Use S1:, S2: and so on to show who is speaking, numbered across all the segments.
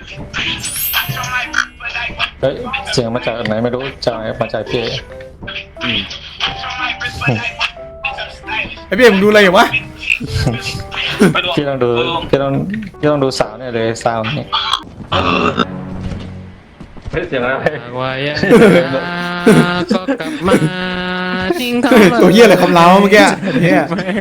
S1: เฮ้ยเสียงมาจากไหนไม่รู้จากมาจากพี่
S2: ไอพี่มึงดูอะไรอยู่วะ
S1: พี่ต้องดูพี่ต้องดูสาวเนี่ยเลยสาวนี่เฮ้ยเสียงอะไร
S3: ว่ายังก็กลับมาทิ้งเขา
S2: ตัวเหี้ยอะไรคำเล้าเมื่อกี้เหี้ย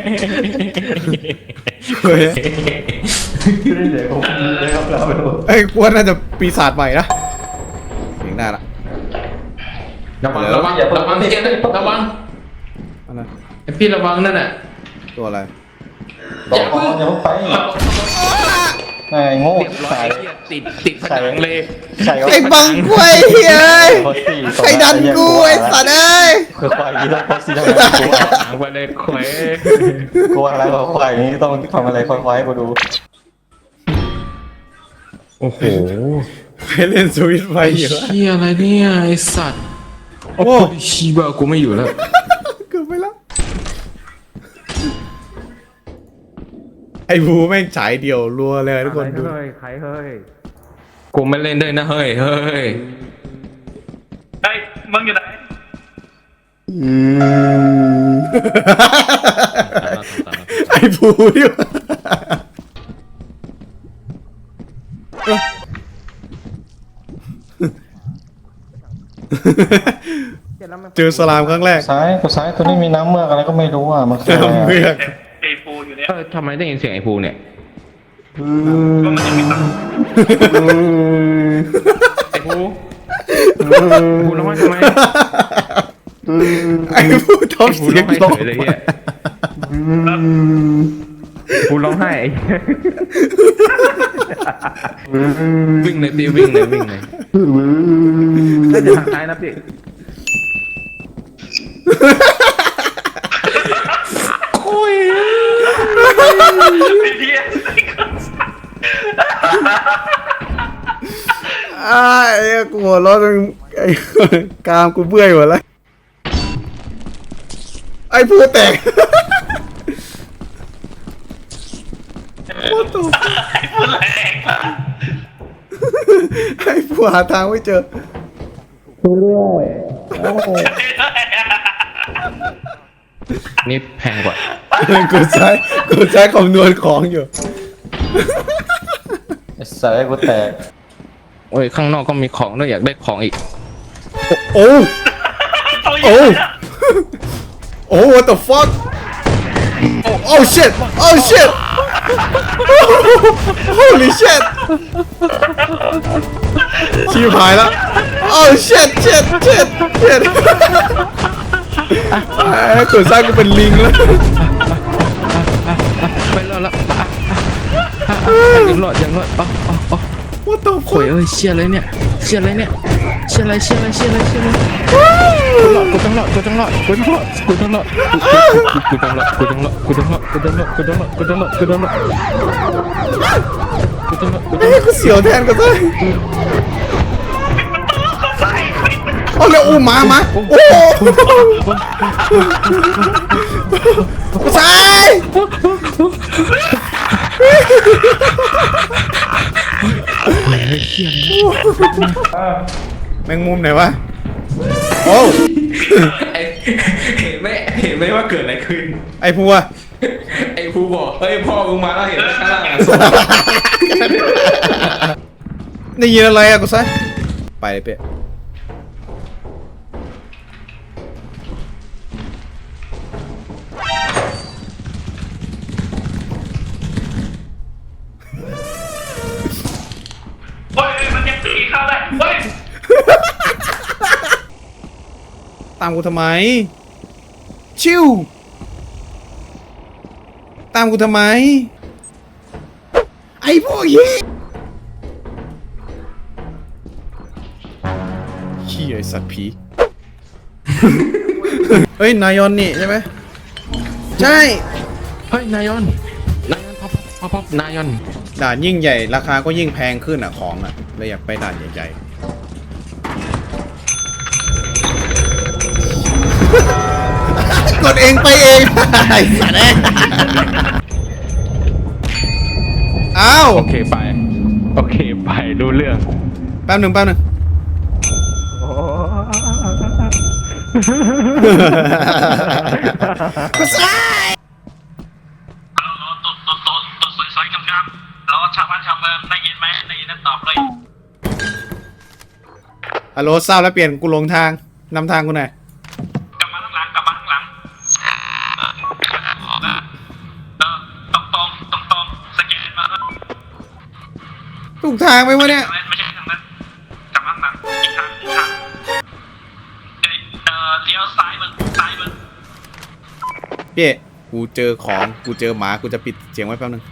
S2: เฮ้ย
S1: พี่ได้เสียงผมเลยครับเราไปดู
S2: ไอ้กวนน่าจะปีศาจใหม่นะเสียงได้ละ
S3: ระวังระวังระวังที่เจนระวัง
S2: อะไร
S3: ไอพี่ระวังนั่นน่ะ
S2: ตัวอะไร
S1: อย่าเพิ่งไปไอ้โง่
S3: เรียบร้อยติดผนังเลย
S1: ใส่
S2: ไอ้บังกล้วยเฮ้ยใครดันกูไอ้สัตว์เอ้ย
S1: คือควายยี่ต้องโพสต์ทำไมกู
S3: หางไปเลยแขว
S1: กูอะไรควายนี้ต้องทำอะไรควายกูดู
S3: โอ้โห
S2: ไปเล่นสวิตช์ไฟอยู่
S3: เชี่ยอะไรเนี่ยไอสัตว์
S2: โอ้
S3: ชีบะกูไม่อยู่แล้ว
S2: เกือบไปแล้วไอ้บูแม่งฉายเดียวรัวเลยทุกคนดู
S3: ใครเฮ้ยกูไม่เล่นด้วยนะเฮ้ย
S4: เฮ้ยมึงอยู่ไหน
S2: ไอ้บูดิวะเจอสลามครั้งแรก
S1: ซ้ายตัวนี้มีน้ำเมือกอะไรก็ไม่รู้อ่ะมันคือ
S2: น้ำเมือก
S4: ไอ้ปูอยู่เนี่ย
S3: ทำไมได้ยินเสียงไอ้ภูเนี่ย
S4: ก็มันยังมีตังค์
S3: ไอ้ภูภูร้องไห้ทำไม
S2: ไอ้บูท้อง
S3: ภู
S2: เสี
S3: ร้
S2: ย
S3: อง งไห้
S2: ต
S3: เฉยเลยเฮียภูร้องไห้วิ่งเลยพี่วิ่งเลยน่าจะทางซ้ายนะพี่
S4: ไอ้เหี้ย
S2: ไอ้กูหัวเร้อนไอ้กามกูเบื่อหมดแล้วไอ้ผู้แตกโคตรตัว
S4: พูดแรง
S2: ไอ้ผู้หาทางไม่เจอ
S3: นี่แพงกว่า
S2: กูใช้คำนวณของอยู่
S1: ใส่กูแตก
S3: โอ้ยข้างนอกก็มีของด้วยอยากได้ของอีก
S2: โอ้
S4: เขาอ
S2: โอ้
S4: ยู่
S2: โอ้ what the fuck oh shit oh shit holy shit ชิบหายแล้ว oh shit shit shit shit ไอ้ตัวสร้างกูเป็นลิงแล้ว
S3: ไปรอดแล้วยังรอด
S2: what the
S3: โอ้ย
S2: fuck
S3: เอ้ยเชี่ยอะไรเนี่ยเชี่ยอะไรกูต้องรอด
S2: เฮ้ยกูเสียวแทนกันเลยเอาเลยอู้มาโอ้กูใส่แมงมุมไหนวะโอ้
S3: เห็นไหมว่าเกิดอะไรขึ้น
S2: ไอ้พัว
S3: ไอ้ภูบอกเฮ้ยพ่อมึงมาแล้วเห็นไหมข้างล่าง
S2: ได้ยินอะไรอะกูใส่ไปเลยเป๊ะ
S4: เฮ้ยมันยังตีเข้าได้เฮ้ย
S2: ตามกูทำไมชิวตามกูทำไมไอ้พวกเหี้ยขี้ไอ้สัตว์ผี เฮ้ยนายอนนี่ใช่ไหมใช่
S3: เฮ้ยนายอนพับนายอน
S2: ด่านยิ่งใหญ่ราคาก็ยิ่งแพงขึ้นอ่ะของอ่ะเลยอยากไปด่านใหญ่ๆ กดเองไปเอง ไอ้สัตว์เอ้ยอ้าว
S3: โอเคไปโอเคไปรู้เรื่อง
S2: แป๊บหนึ่งก็ใช่
S4: ตัวสวยๆงามๆแล้วชาวบ้านชาวเมืองได้ยินไหมได้ยินนั่นตอบเลย
S2: ฮัลโหลทราบแล้วเปลี่ยนกูหลงทางนำทางกูหน่อย
S4: กลับมาข้างหลังตรงสแกนมา
S2: ถูกทางไหมวะเนี่ย
S4: ไม่ใช่ทางนั้นกลับมาข้างหลังอีกทางเลี้ยวซ้ายมึง
S2: พี่กูเจอของกูเจอหมากูจะปิดเสียงไว้แป๊บนึง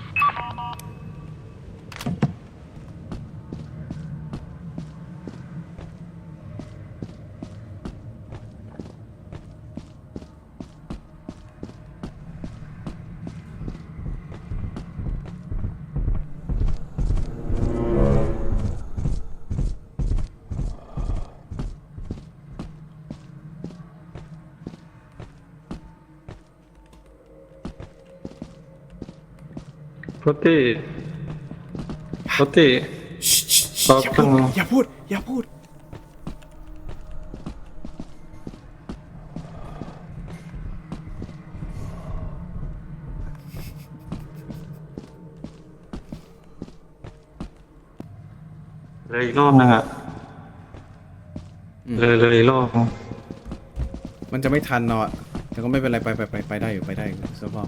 S1: รถตี้
S2: อย่าพูด
S1: เลยอีกรอบนึงอ่ะเลยอีกรอบ
S2: มันจะไม่ทันเนาะแต่ก็ไม่เป็นไรไปได้อยู่สักรอบ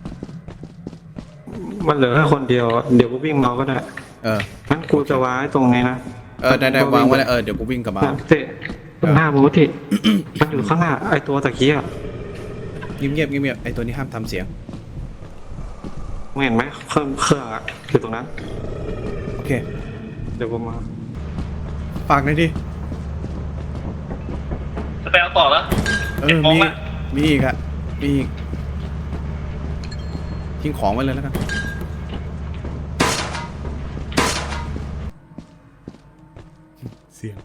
S1: มันเหลือแค่คนเดียวเดี๋ยวกูวิ่งมาก็ได้ งั้นกูจะวางไว้ตรงนี้นะ
S2: ได้วางไว้แล้วเดี๋ยวกูวิ่งกลับมา
S1: เตะหน้าบูติ มันอยู่ข้างหน้าไอตัวตะกี้อ่ะ
S2: เงียบไอตัวนี้ห้ามทำเสียง
S1: มึงเห็นไหมเครื่องอ่ะอยู่ตรงนั้น
S2: โอเค
S1: เดี๋ยวกูมา
S2: ฝากหน่อยดิ
S4: จะไปเอาต่อแล้ว
S2: มีอีกทิ้งของไว้เลยแล้วกันเสียง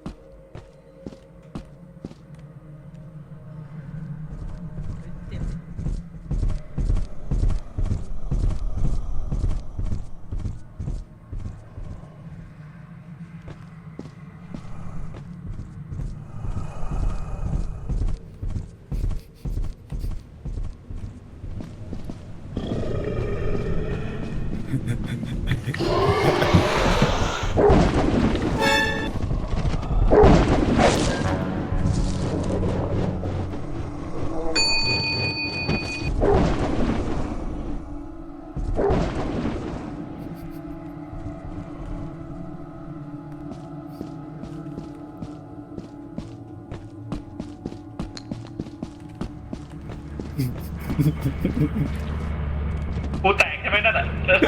S4: กูแตกใช่ไหมนั่นอ่ะ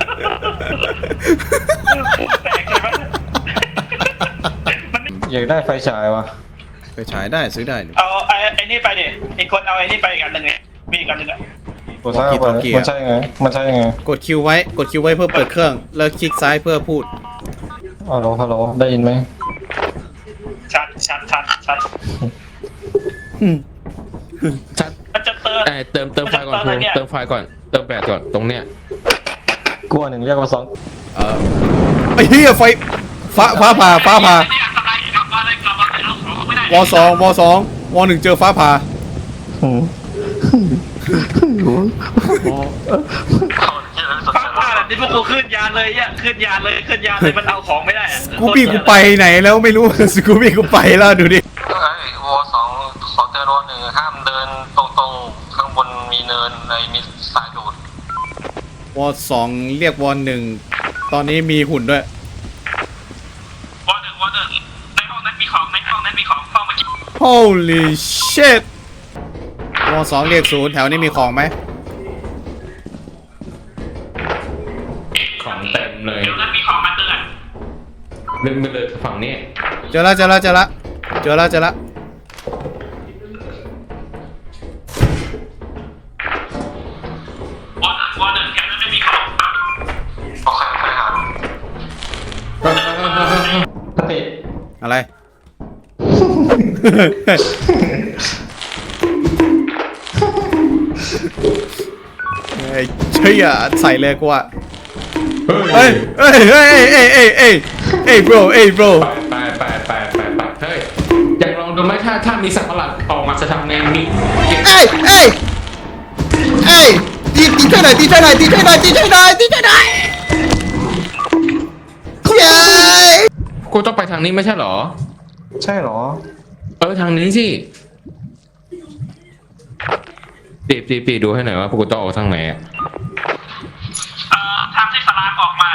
S4: กูแตกใช่ไหม
S1: อยากได้ไฟฉายวะ
S2: ไปฉายได้ซื้อได้
S4: เอาไอ้นี่ไปดิอีกคนเอาไอ้นี่ไปอีกอันหนึ่งไงมีอีกอันหนึ่งอ่ะ
S1: กดซ้ายเข้าไปมันใช่ไง
S2: กดคิวไว้เพื่อเปิดเครื่องแล้วคลิกซ้ายเพื่อพูด
S1: ฮัลโหลได้ยินไหม
S4: ชัด
S3: ชัด
S4: มันจะเติม
S3: เติมไฟก่อนครูเติมไฟก่อนเติมแบตก่อนตรงเนี้ย
S1: กลัวหนึ่งเรียกว่าสอง
S2: ไอ้เหี้ยไฟฟ้าผ่า
S4: เนี่ยทำไรกลับมาเลยเอาของไม่ได้
S2: วสองวหนึ่งเจอฟ้าผ่า
S4: ฟ้าแบบนี้พวกกูขึ้นยานเลยขึ้นยานเลยมันเอาของไม่ได้อะ
S2: กูไปไหนแล้วไม่รู้ กูไปแล้วดูดิ
S1: วอสองเจอวอหนึ่งห้ามเดินตรงข้างบนมีเนินมีสายดูด
S2: วสองเรียกวหนึ่งตอนนี้มีหุ่นด้วย
S4: วอหนึ่งในห้องนั้นมีของเข้ามากิน
S2: Holy shit วสองเรียกศูนย์แถวนี้มีของไหม
S3: ของเต็มเลย
S4: เดี๋ยวนั้นมีของมาเตือน
S3: ดึงไปเลยฝั่งนี้
S2: เจอแล้ว
S4: วอหนึ่งแถวนั้นไม่มีของ
S1: โอเคครับสติ
S2: อะไร เฮ้ยใช่อ่ะใส่เลยกูอ่ะเฮ้ยเฮ้ยเฮ้ยเฮ้ยเฮ้ยเฮ้ยเฮ้ย bro เฮ้ย bro
S3: ไปเฮ้ยอยากลองดูไหมถ้ามีสัตว์ประหลาดออกมาจะทำไงมี
S2: เอ้ยเอ้ยเอ้ยตีช่วยหน่อยตีช่วยหน่อยตีช่วยหน่อยตีช่วยหน่อยตีช่วยหน่อยเย้
S3: กูต้องไปทางนี้ไม่ใช่เหรอ
S5: ใช่เหรอ
S3: ทางนี้สิปีดูให้หน่อยว่าพวกกูต้องออกทางไหนอ่ะ
S4: ทางที่สลากออกมา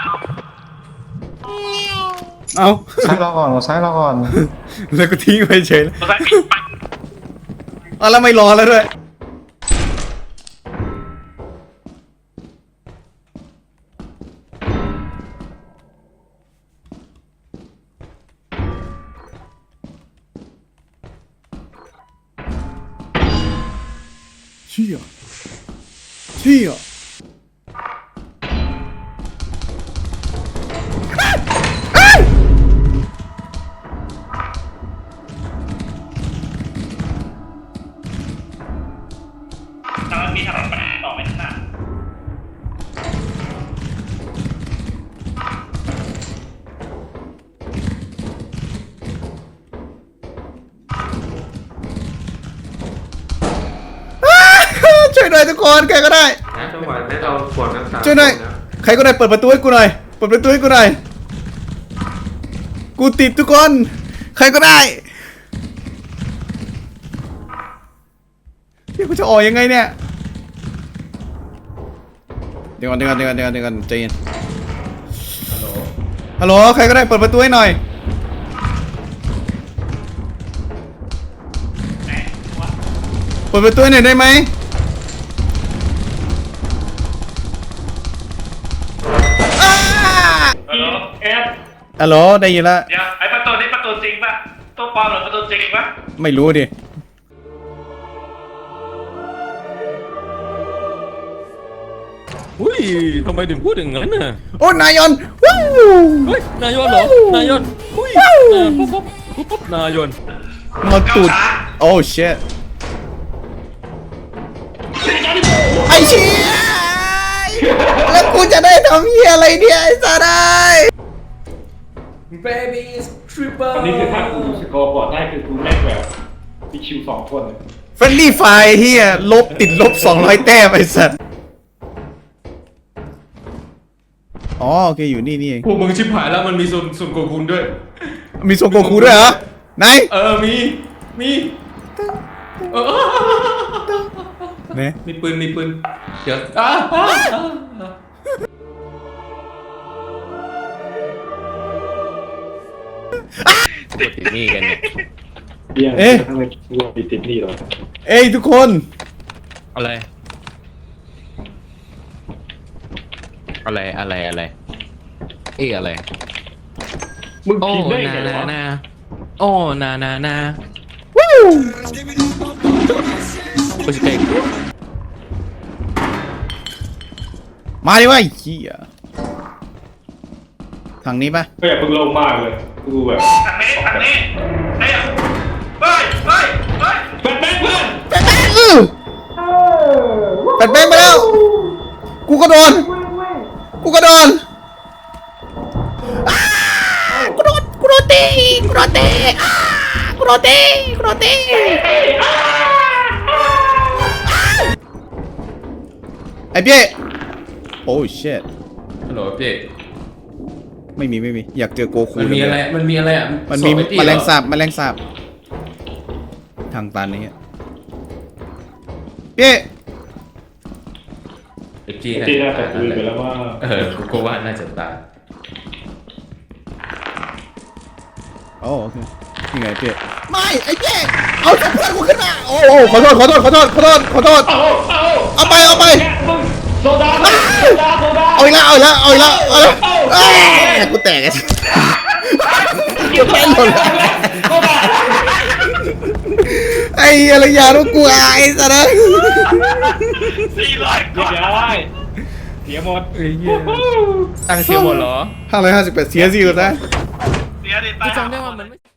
S2: เอา
S5: ซ้ายเราก่อนซ้ายเราก่อน
S2: แล้วก็ทิ้งไปเฉย
S4: ตัวซ้ายปิดไป
S2: เอาแล้วไม่รอแล้วด้วยเชี่ย
S4: ทางนั้นมีถนนไปต่อไปข้างหน้า
S2: ช่วยหน่อยทุกคนใครก็ได้
S5: จังหวะนี้เราขวดน้ำตา
S2: ช่วยหน่อยใครก็ได้เปิดประตูให้กูหน่อยเปิดประตูให้กูหน่อยกูติดทุกคนใครก็ได้พี่กูจะออกยังไงเนี่ยเดี๋ยวก่อนใจเย็นฮัลโหลใครก็ได้เปิดประตูให้หน่อยเปิดประตูให้หน่อยได้ไหม
S4: ฮัลโหลเอฟ
S2: ฮัลโหลได้ยินแล้ว
S4: เดี๋ยวไอประตูนี้ประตูจริงป่ะตัวปลอมหรือประตูจริงป่ะ
S2: ไม่รู้ดิ
S3: อุ้ยทำไมถึงพูดอย่างนั้นน่ะ
S2: โอ้นายอนวู้
S3: เฮ้ยนายนเหรอ นายนอุ้ยปุ๊บนายน
S2: มาตูดโอ้ shit ไอ้เชี่ยแล้วกูจะได้ทำเหี้ยอะไรเนี่ยไอ้สัตว์ไอ้
S6: อันนี้คือถ้ากูสกอร์บอร์ดได้คือกูเล่นแบบมีคิว2 คน
S2: เฟรนลี่ไฟเฮียลบติดลบ200 แต้มไอ้สัตว์อ๋อโอเคอยู่นี่เอง
S3: พวกมึงชิบหายแล้วมันมีส่วนโกคุณด้วย
S2: มีโซโกคูด้วยเหรอไหน
S3: มีเออ
S2: เนี่ย
S3: มีปืนเดี๋ยวกดที่นี่กันเนี่ย
S6: เบี้ยงทั้งเลยรวมติดนี่หรอ
S2: เอ้ยทุกคน
S3: อะไรอะไร
S6: มึง
S3: โอ้
S6: พิมพ์ได้ไงวะ
S3: นาโอ้นา
S2: วู้
S3: ผู้ชิเก่ง
S2: มาดิวะไอ้เหี้ยทางนี้ปะ
S6: ก็อย่าเพิ่งลงมากเลยกูแบบ
S4: ทางนี้เฮ้ยเฮ้ย
S6: แบทแมนเพื่อน
S2: แบทแบงแบทแบงไปแล้วกูก็โดนอ้ากูโดนตีอ้ากูโดนตีไอ้เปี้ยโอ้ shit
S3: ฮัลโหลพี่
S2: ไม่มีอยากเจอโกคู
S3: มันมีอะไรอ่ะ
S2: มันมี
S3: สอบไอ้ตี้
S2: แม
S3: เหร
S2: ล
S3: อง
S2: สาบทางตันนี้เปี้ย
S3: ไอ้จี้
S6: ที่น่าจะคุยไปแล้วว่า
S3: กูว่าน่าจะตาย
S2: โอ้โอเคนี่ไงเปี้ยไม่ไอ้เปี้ยเอาเพื่อนกูขึ้นมาโอ้ขอโทษเอาไป
S6: โซดา
S2: เอาอีกแล้วกูแตกไอ้กูแพ้หมดเลยไอ้อะไรยาลูกกูไอ้สัตว์
S4: 400
S6: เรียบร้อยเสียหมด
S3: ตั้งเสียหมดเหรอ
S2: 558เสียสิวนะ
S4: เสียดิ
S3: กูจำได้ว่ามันไม่